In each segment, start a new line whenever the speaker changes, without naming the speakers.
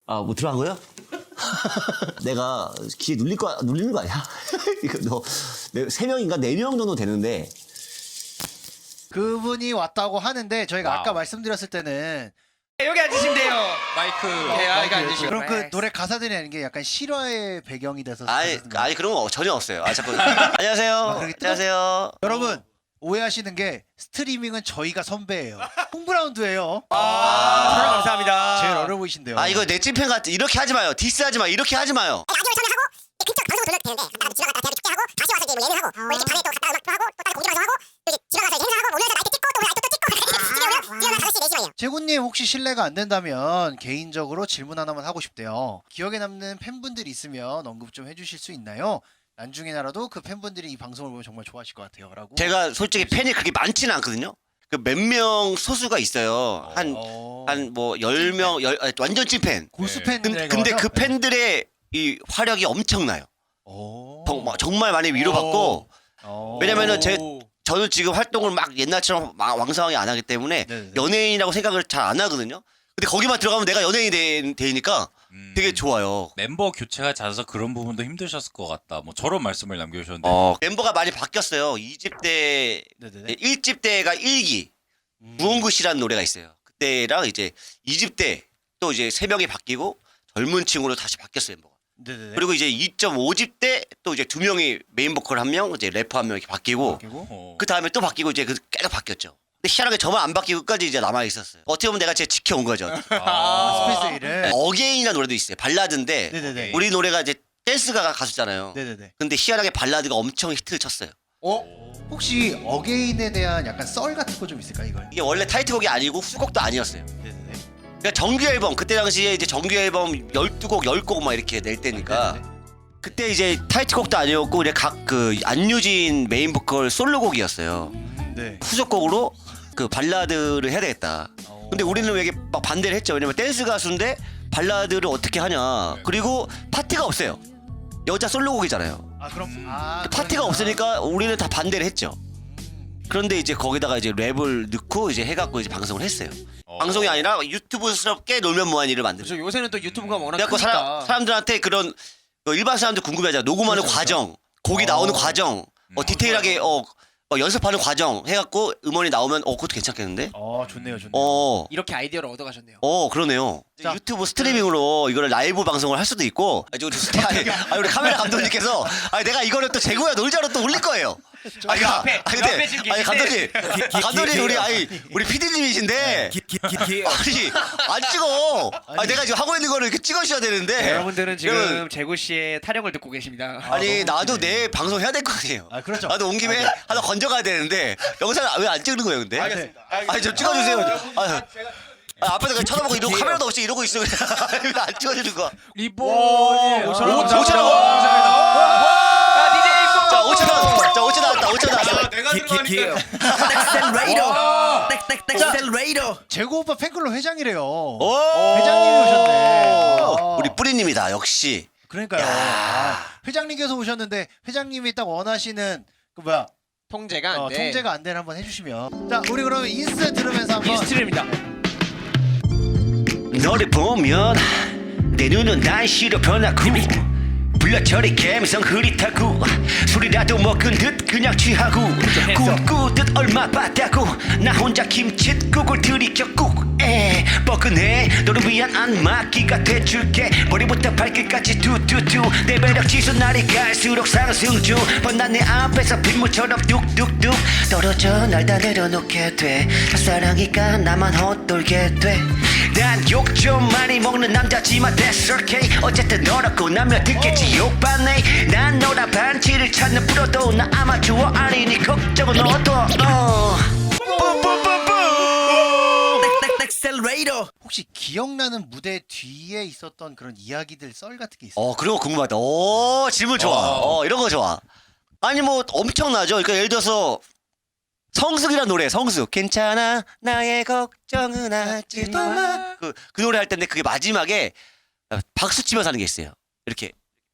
아, 뭐 들어간 거요? 내가 귀에 눌리는 거 아니야? 이거 너, 3명인가 4명 정도 되는데.
그분이 왔다고 하는데 저희가
와우.
아까 말씀드렸을 때는
여기 앉으시면 돼요.
마이크.
여기 앉으시고.
그럼 그 노래 가사들이 아닌 게 약간 실화의 배경이 돼서
아니
쓰거든요.
그런 거 전혀 없어요. 아, 자꾸. 안녕하세요.
그렇게
안녕하세요.
여러분 오해하시는 게 스트리밍은 저희가 선배예요. 홈브라운드예요.
촬영 감사합니다.
제일 어려 보이신데요.
아, 이거 내 찐팬 같아. 이렇게 하지 마요. 디스하지 마. 이렇게 하지 마요.
라디오를 촬영하고 그쪽 방송 돌려도 되는데 갔다가 지나갔다 대학교 축제하고 다시 와서 이제 뭐 예능하고 뭐 이렇게 밤에 또 갔다 음악도 하고 또 다른 공개 방송하고 또 이제 지나가서 이제 행사하고 오늘서 나이트 찍고 또 오늘 나이트 또 찍고 집에 오면 뛰어나 5시 4시만이에요.
재군님 혹시 실례가 안 된다면 개인적으로 질문 하나만 하고 싶대요. 기억에 남는 팬분들이 있으면 언급 좀 해주실 수 있나요? 나중에나라도 그 팬분들이 이 방송을 보면 정말 좋아하실 것 같아요. 라고.
제가 솔직히 팬이 그렇게 많지는 않거든요. 그 몇 명 소수가 있어요. 한 뭐 10명, 완전 찐팬.
고수
네.
팬들.
근데 그 팬들의 이 화력이 엄청나요. 정말 많이 위로받고. 왜냐면은 저는 지금 활동을 막 옛날처럼 막 왕성하게 안 하기 때문에
네네.
연예인이라고 생각을 잘 안 하거든요. 근데 거기만 들어가면 내가 연예인이 되니까 되게 좋아요.
멤버 교체가 잦아서 그런 부분도 힘드셨을 것 같다. 뭐 저런 말씀을 남겨주셨는데.
멤버가 많이 바뀌었어요. 2집 때,
네네네.
1집 때가 1기. 무언굿이라는 노래가 있어요. 그때랑 이제 2집 때 또 이제 3명이 바뀌고 젊은 층으로 다시 바뀌었어요, 멤버가.
네네네.
그리고 이제 2.5집 때 또 이제 2명이 메인 보컬 1명, 이제 래퍼 1명 이렇게 바뀌고 그 다음에 또 바뀌고 이제 계속 바뀌었죠. 근데 희한하게 저만 안 바뀌고 끝까지 이제 남아 있었어요. 어떻게 보면 내가 진짜 지켜온 거죠.
스페이스 A를.
어게인이라는 노래도 있어요. 발라드인데
네네네.
우리 노래가 이제 댄스가 가수잖아요.
네네네.
근데 희한하게 발라드가 엄청 히트를 쳤어요.
혹시 어게인에 대한 약간 썰 같은 거 좀 있을까 이걸?
이게 원래 타이틀곡이 아니고 후곡도 아니었어요.
네네네.
그러니까 정규 앨범 그때 당시에 이제 정규 앨범 12곡 10곡 막 이렇게 낼 때니까
네네네.
그때 이제 타이틀곡도 아니었고 그냥 각 그 안유진 메인 보컬 솔로곡이었어요.
네.
후속곡으로 그 발라드를 해야 되겠다. 근데 우리는 왜 이게 막 반대를 했죠. 왜냐면 댄스 가수인데 발라드를 어떻게 하냐. 그리고 파트가 없어요. 여자 솔로곡이잖아요.
아 그럼
파트가 없으니까 우리는 다 반대를 했죠. 그런데 이제 거기다가 이제 랩을 넣고 이제 해갖고 이제 방송을 했어요. 방송이 아니라 유튜브스럽게 놀면 뭐하니를 만들죠.
그렇죠. 요새는 또 유튜브가 워낙
그래갖고
크니까.
사람들한테 그런 일반 사람들 궁금해하잖아. 녹음하는
그렇죠,
과정, 곡이 나오는 과정, 디테일하게 연습하는 과정 해갖고 음원이 나오면 그것도 괜찮겠는데?
좋네요 좋네요.
이렇게 아이디어를 얻어가셨네요.
그러네요.
자,
유튜브 스트리밍으로 이거를 라이브 방송을 할 수도 있고. 우리 카메라 감독님께서 내가 이거를 또 재고야 놀자로 또 올릴 거예요.
옆에 지금
감독님 우리 PD님이신데 안 찍어. 내가 지금 하고 있는 거를 이렇게 찍으셔야 되는데.
여러분들은 지금
그러면-
재구 씨의 타령을 듣고 계십니다.
나도 내 방송 해야 될 거 아니에요.
그렇죠.
나도 온 김에 하나 건져가야 되는데 영상 왜 안 찍는 거예요, 근데?
알겠습니다.
좀 찍어주세요. 앞에서 그냥 쳐다보고 이러고 카메라도 없이 이러고 있어. 왜 안 찍어주는 거야?
리본이
5,000원. 자, 5,000원. 자, 5,000원 나왔다. 5,000원 나왔어.
내가 들어가니까.
재고 오빠 팬클럽 회장이래요.
회장님이
회장님이 오셨네.
우리 뿌리님이다. 역시.
그러니까요. 회장님께서 오셨는데 회장님이 딱 원하시는 그 뭐야
통제가 안 돼.
통제가 안 되는 한번 해주시면. 자 우리 그러면 인스트 들으면서 한번.
인스트입니다.
너를 보면 내 눈은 날씨로 변하고 불러처리 감성 흐릿하고 술이라도 먹은 듯 그냥 취하고 꿈꾸듯 얼마 봤다고 나 혼자 김칫국을 들이켰고 뻐근해 너를 위한 안마기가 돼줄게 머리부터 발끝까지 두두두 내 매력 지수 날이 갈수록 상승 중 뻔한 내 앞에서 빗물처럼 뚝뚝뚝 떨어져 날 다 내려놓게 돼 사랑이니까 나만 헛돌게 돼 난 욕 좀 많이 먹는 남자지만 that's okay 어쨌든 너라고 나면 듣겠지 욕받네 난 너라 반지를 찾는 프로도 나 아마추어 아니니 걱정은 너도
혹시 기억나는 무대 뒤에 있었던 그런 이야기들 썰 같은 게 있어요?
그런 거 궁금하다. 질문 좋아. 이런 거 좋아. 아니 뭐 엄청나죠. 그러니까 예를 들어서 성숙이란 노래, 성숙. 괜찮아, 나의 걱정은 하지 마. 그 노래 할 때인데 그게 마지막에 박수 치면서 하는 게 있어요. 이렇게.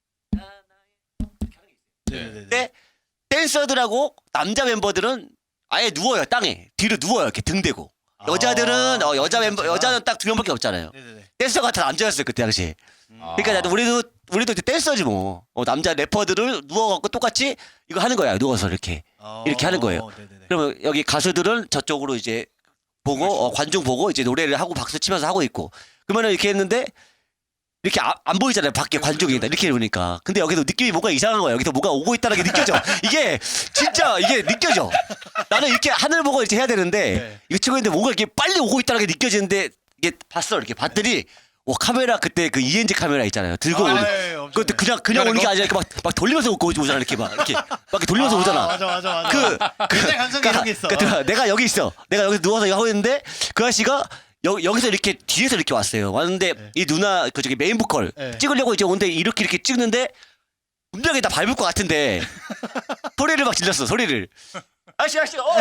네네네.
근데 댄서들하고 남자 멤버들은 아예 누워요, 땅에. 뒤로 누워요, 이렇게 등 대고.
여자들은 여자 멤버 여자는 딱 2명밖에 없잖아요.
네네네.
댄서가 다 남자였어요 그때 당시. 그러니까 나도 우리도 이제 댄서지 뭐. 남자 래퍼들을 누워갖고 똑같이 이거 하는 거야. 누워서 이렇게 하는 거예요.
네네네.
그러면 여기 가수들은 저쪽으로 이제 보고 관중 보고 이제 노래를 하고 박수 치면서 하고 있고 그러면은 이렇게 했는데 이렇게 안 보이잖아요 밖에 관중이 이렇게 보니까. 근데 여기도 느낌이 뭔가 이상한 거야. 여기서 뭐가 오고 있다는 게 느껴져. 이게 진짜 이게 느껴져. 나는 이렇게 하늘 보고 이렇게 해야 되는데
네.
이거 치고 있는데 뭔가 이렇게 빨리 오고 있다는 게 느껴지는데 이게 봤어 이렇게 봤더니 와 카메라 그때 그 ENG 카메라 있잖아요. 들고 오는. 그것도 그냥 오는 게 아니라 이렇게 막 돌리면서 오잖아 이렇게 막 이렇게 돌리면서 오잖아.
맞아.
그
옛날 감성이 이런 게 있어.
내가 여기 있어. 내가 여기 누워서 이거 하고 있는데 그 아저씨가 여기서 이렇게 뒤에서 이렇게 왔어요. 왔는데
네.
이 누나 그 저기 메인 보컬
네.
찍으려고 이제 오는데 이렇게 찍는데 분명히 다 밟을 것 같은데 소리를 막 질렀어. 소리를. 아저씨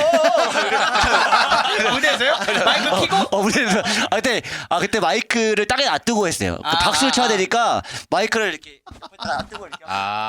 무대에서요? 마이크 키고?
무대에서 그때 마이크를 땅에 놔두고 했어요. 그 박수를 쳐야 되니까 마이크를 이렇게 놔두고 이렇게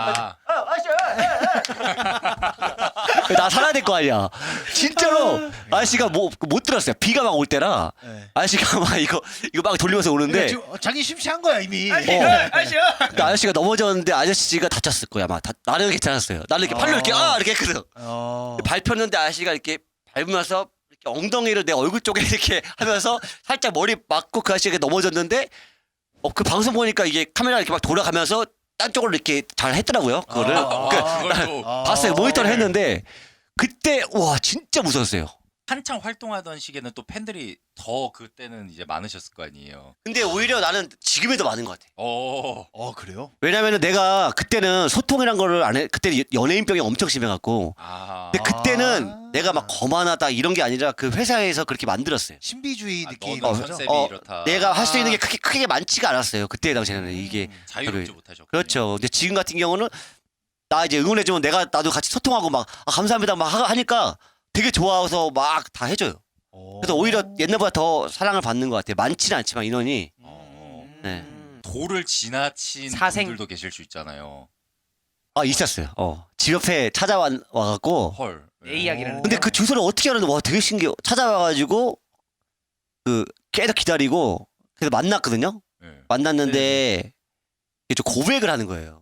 나 살아야 될 거 아니야. 진짜로 아저씨가 못 들었어요. 비가 막 올 때라
네.
아저씨가 막 이거 막 돌리면서 오는데
지금 자기 심취한 거야 이미.
아시오.
근데 아저씨가 넘어졌는데 아저씨가 다쳤을 거야. 아마 나는 괜찮았어요. 나는 이렇게 팔로 이렇게 이렇게 했거든. 밟혔는데 아저씨가 이렇게 밟으면서 이렇게 엉덩이를 내 얼굴 쪽에 이렇게 하면서 살짝 머리 맞고 그 아저씨가 넘어졌는데 그 방송 보니까 이게 카메라 이렇게 막 돌아가면서 딴 쪽으로 이렇게 잘 했더라고요. 그거를
그걸 또
봤어요. 모니터를 했는데 그때 와 진짜 무서웠어요.
한창 활동하던 시기에는 또 팬들이 더 그때는 이제 많으셨을 거 아니에요.
근데 오히려 나는 지금이 더 많은 것 같아.
그래요?
왜냐면은 내가 그때는 소통이란 거를 안 해. 그때 연예인병이 엄청 심해갖고. 근데 그때는 내가 막 거만하다 이런 게 아니라 그 회사에서 그렇게 만들었어요.
신비주의 느낌.
너는 컨셉이 이렇다.
내가 할 수 있는 게 크게 많지가 않았어요. 그때 당시에는 이게.
자유롭지 못하셨고.
그렇죠. 근데 지금 같은 경우는 나 이제 응원해주면 나도 같이 소통하고 막 감사합니다 막 하니까 되게 좋아서 막 다 해줘요. 그래서 오히려 옛날보다 더 사랑을 받는 것 같아요. 많지는 않지만 인원이. 네.
도를 지나친
사생.
분들도 계실 수 있잖아요.
있었어요. 집 옆에 찾아와갖고.
헐.
내 이야기를.
근데 그 주소를 어떻게 하는데 와 되게 신기해. 찾아와가지고 계속 기다리고 그래서 만났거든요.
네.
만났는데 이게 좀 고백을 하는 거예요.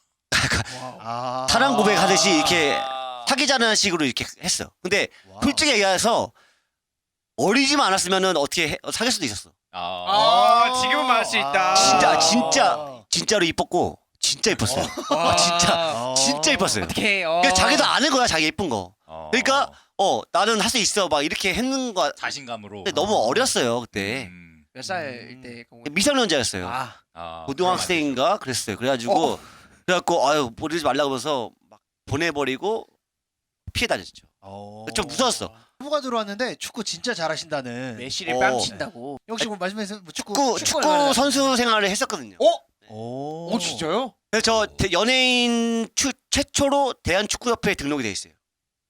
사랑
사랑
고백하듯이 이렇게 사귀자는 식으로 이렇게 했어. 근데 솔직히 얘기해서 어리지만 않았으면은 어떻게 사귈 수도 있었어.
지금은 말할 수 있다.
진짜로 이뻤고 진짜 이뻤어요. 진짜 이뻤어요.
어떻게?
그러니까 자기도 아는 거야 자기 예쁜 거. 그러니까 나는 할 수 있어 막 이렇게 했는 거.
자신감으로.
근데 너무 어렸어요 그때.
몇 살일 때?
미성년자였어요. 고등학생인가 그랬어요. 그래가지고 아유 보내지 말라고 하면서 막 보내버리고 피해 다녔죠. 좀 무서웠어.
후보가 들어왔는데 축구 진짜 잘하신다는.
메시를 뺨 친다고.
혹시 뭐 말씀해서 뭐 축구
축구 선수 생활을 했었거든요.
오
진짜요?
그래서 저 연예인 최초로 대한축구협회에 등록이 돼 있어요.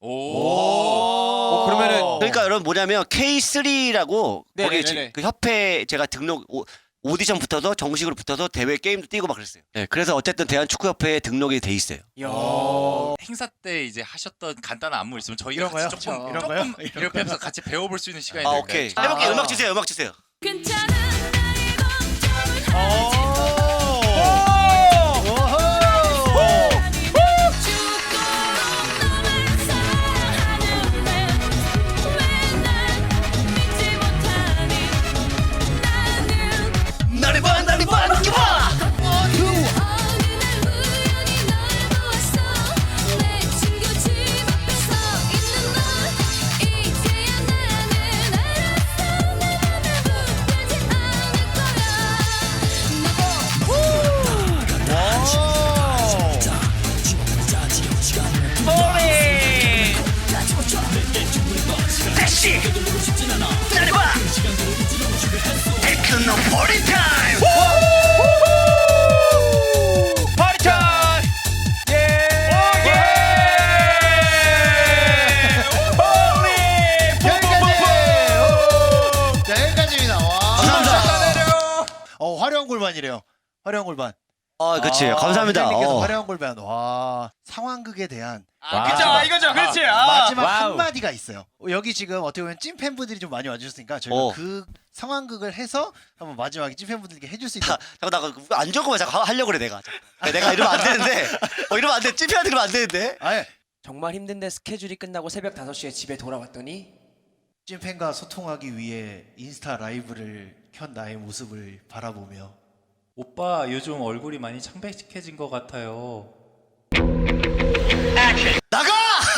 그러면은
그러니까 여러분 뭐냐면 K3라고 거기
네네네네.
그 협회 제가 등록 오디션 붙어서 정식으로 붙어서 대회 게임도 뛰고 막 그랬어요. 네, 그래서 어쨌든 대한축구협회에 등록이 돼 있어요.
행사 때 이제 하셨던 간단한 안무 있으면 저희가
이런 거요?
같이 조금
이런 거요?
이렇게 하면서 같이 배워볼 수 있는 시간이
오케이. 해볼게요. 음악 주세요. 음악 주세요.
괜찮은 나의 걱정은
나를 봐, 이렇게 봐. 택시. 나를 봐. 테크노 파티 타임.
파티 타임!
자 여기까지입니다. 와.
감사합니다.
화려한 골반이래요. 화려한 골반.
그치. 감사합니다.
님께서 화려한 골반. 와, 상황극에 대한
그죠 이거죠 그렇지.
마지막
와우.
한마디가 있어요. 여기 지금 어떻게 보면 찐 팬분들이 좀 많이 와주셨으니까 저희가
어.
그 상황극을 해서 한번 마지막에 찐 팬분들께 해줄 수 있는.
잠깐 나안 좋은 거만 자꾸 하려고 그래 내가. 내가 이러면 안 되는데. 이러면 안 돼. 찝혀한테 그러면 안 되는데.
아예
정말 힘든데 스케줄이 끝나고 새벽 5시에 집에 돌아왔더니
찐 팬과 소통하기 위해 인스타 라이브를 켠 나의 모습을 바라보며
오빠 요즘 얼굴이 많이 창백해진 것 같아요.
나가!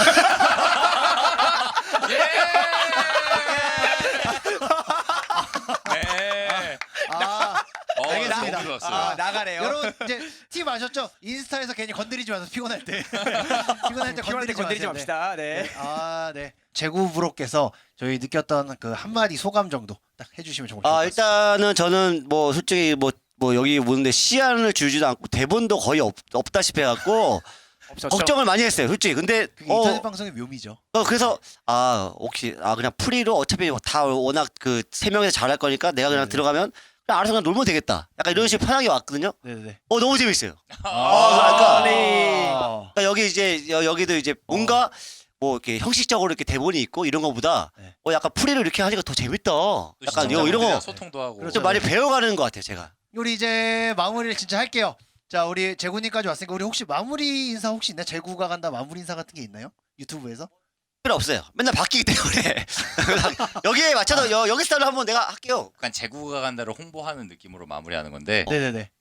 네.
아 알겠습니다.
너무 좋았어요.
아,
나가래요.
여러분 이제 팁 아셨죠? 인스타에서 괜히 건드리지 마세요. 피곤할 때 피곤할 때
피곤할 때 건드리지
마세요.
맙시다. 네.
네. 아 네. 제구브로께서 저희 느꼈던 그 한마디 소감 정도 딱 해주시면 정말 좋을 것 같습니다.
일단은 저는 뭐 솔직히 뭐 여기 오는데 시안을 주지도 않고 대본도 거의 없다시피 해갖고
없었죠.
걱정을 많이 했어요. 솔직히. 근데
그게 인터넷 방송의 묘미죠.
그래서 혹시 그냥 프리로 어차피 다 워낙 그 3명이서 잘할 거니까 내가 그냥
네.
들어가면 그냥 알아서 그냥 놀면 되겠다. 약간 이런 식으로 편하게 왔거든요.
네네.
너무 재밌어요.
아,
그러니까 여기 이제 여기도 이제 뭔가 뭐 이렇게 형식적으로 이렇게 대본이 있고 이런 거보다
네.
약간 프리로 이렇게 하니까 더 재밌다. 약간 이런 거 좀
소통도 하고.
그렇죠.
많이 배워가는 것 같아요, 제가.
우리 이제 마무리를 진짜 할게요. 자 우리 재구님까지 왔으니까 우리 혹시 마무리 인사 혹시 있나요? 재구가 간다 마무리 인사 같은 게 있나요? 유튜브에서?
필요 없어요. 맨날 바뀌기 때문에 여기에 맞춰서 여기 스타일로 한번 내가 할게요.
약간 제구가 간다를 홍보하는 느낌으로 마무리하는 건데.
네네네.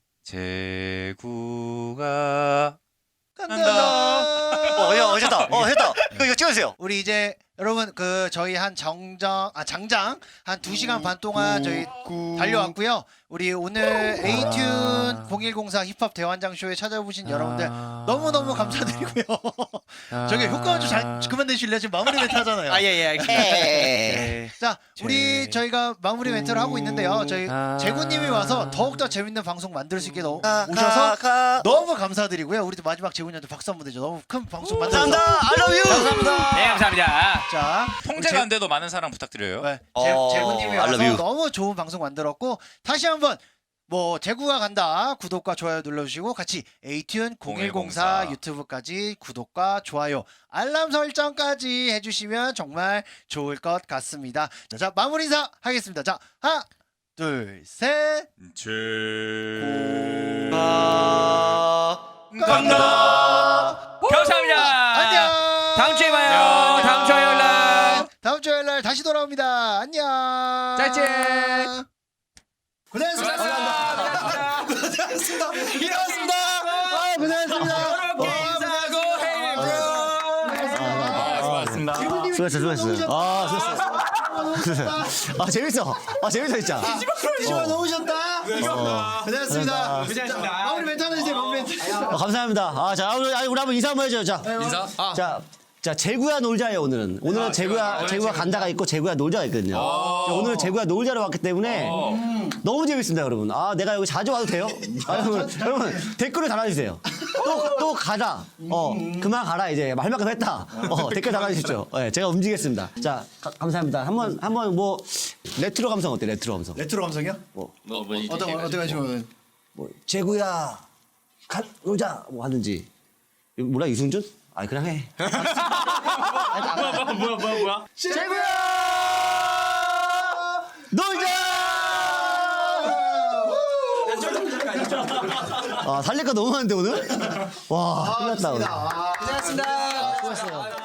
제구가
간다.
하셨다. 했다. 이거 찍어주세요.
우리 이제 여러분 그 저희 한 장장 한 2시간 반 동안 저희 달려왔고요. 우리 오늘 에이튠 0104 힙합 대환장 쇼에 찾아오신 여러분들 너무너무 감사드리고요. 저기 효과음 좀 잘 그만 내실래요? 지금 마무리 멘트 하잖아요.
예 알겠습니다.
자, 우리 저희가 마무리 멘트를 하고 있는데요. 저희 재구님이 와서 더욱더 재밌는 방송 만들 수 있게 오셔서 너무 감사드리고요. 우리도 마지막 재구님한테 박수 한번 드죠. 너무 큰 방송 만들어서
감사합니다. I love you.
감사합니다.
네 감사합니다.
자,
통제가 안 돼도 많은 사랑 부탁드려요.
네,
어,
재구님이
I
와서
love you.
너무 좋은 방송 만들었고 다시 한번 뭐 재구가 간다 구독과 좋아요 눌러주시고 같이 에이튠 0104 유튜브까지 구독과 좋아요 알람 설정까지 해주시면 정말 좋을 것 같습니다. 자 마무리 인사 하겠습니다. 자 하나 둘 셋 간다.
감사합니다.
안녕.
다음 주에 봐요. 다음 주에 연락.
다음 주 화요일 날 다시 돌아옵니다. 안녕.
짜잔.
고생하셨습니다. 고생하셨습니다. 일어났습니다. 고생하셨습니다.
수고했어. 재밌어. 재밌어 진짜.
뒤집어 놓으셨다. 고생하셨습니다. 마무리 멘트 하나 주세요. 마무리 멘트.
감사합니다. 자 우리 한번 인사 한번 해줘요. 자.
인사?
자 재구야 놀자예요 오늘은. 오늘은 재구야 간다가 있고 재구야 놀자가 있거든요. 자, 오늘은 재구야 놀자로 왔기 때문에 너무 재밌습니다 여러분. 내가 여기 자주 와도 돼요? 여러분 댓글을 달아주세요. 또 가자. 그만 가라 이제 할 만큼 했다. 댓글 달아주십시오. 제가 움직이겠습니다. 자 감사합니다. 한번 뭐 레트로 감성 어때? 레트로 감성.
레트로 감성이요? 어떤 하시면
재구야 놀자 뭐 하든지. 몰라 이승준? 그냥 해.
뭐야?
재구야
놀자. 살릴 거 너무 많은데 오늘? 와, 끝났다 오늘.
고생하셨습니다.
수고했어요.